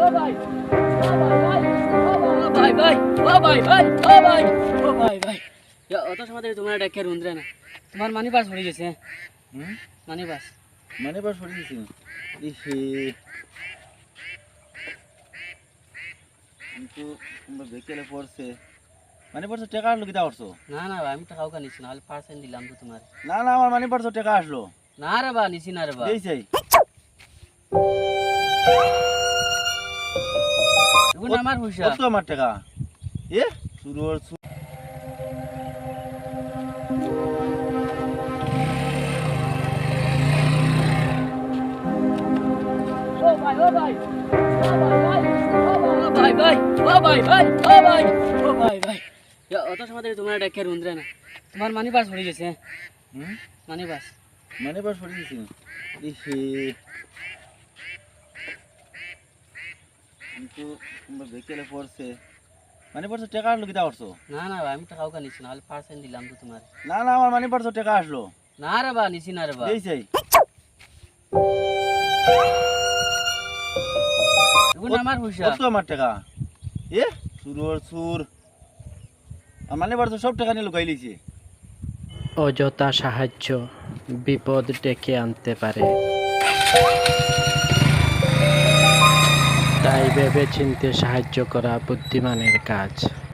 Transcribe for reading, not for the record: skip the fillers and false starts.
ভাই ভাই ভাই ও ভাই ভাই ও ভাই ও ভাই ভাই অত সময় ধরে তোমার ডাকে রুন্দ্রে না তোমার মানি পাস পড়ে গেছে মানি পাস পড়ে গেছে ইহে কিন্তু তোমরা বেকেলে পড়ছে পড়ছে টাকা আসলো কিতা করছো? না না ভাই আমি তো কাউকে নিছি না, 1% দিলাম তো তোমার। না না আমার পড়ছে টাকা আসলো না রে বা নিছি না রে বা এই চাই এখন আমার পয়সা কত আমার টাকা এ সুরর ও ভাই ও ভাই ও ভাই ভাই ও ভাই ভাই ও ভাই ও ভাই ভাই অত সময় ধরে তোমার ডাকে রুন্দ্রে না তোমার মানি পাস পড়ে গেছে মানি পাস পড়ে গেছে ইহে কিন্তু তোমরা বেকেলে পড়ছে পড়ছে টাকা আসলো কিতা করছো? না না ভাই আমি তো কাউকে নিছি না, 1% দিলাম তো তোমার। না না আমার পড়ছে টাকা আসলো না রে বা নিছি না রে বা এই চাই এখন আমার পয়সা কত আমার টাকা এ সুরর সুর আমার পড়ছে সব টাকা নিয়ে লুকাই লিছে অযথা সাহায্য বিপদ ডেকে আনতে পারে, তাই ভেবে চিন্তে সাহায্য করা বুদ্ধিমানের কাজ।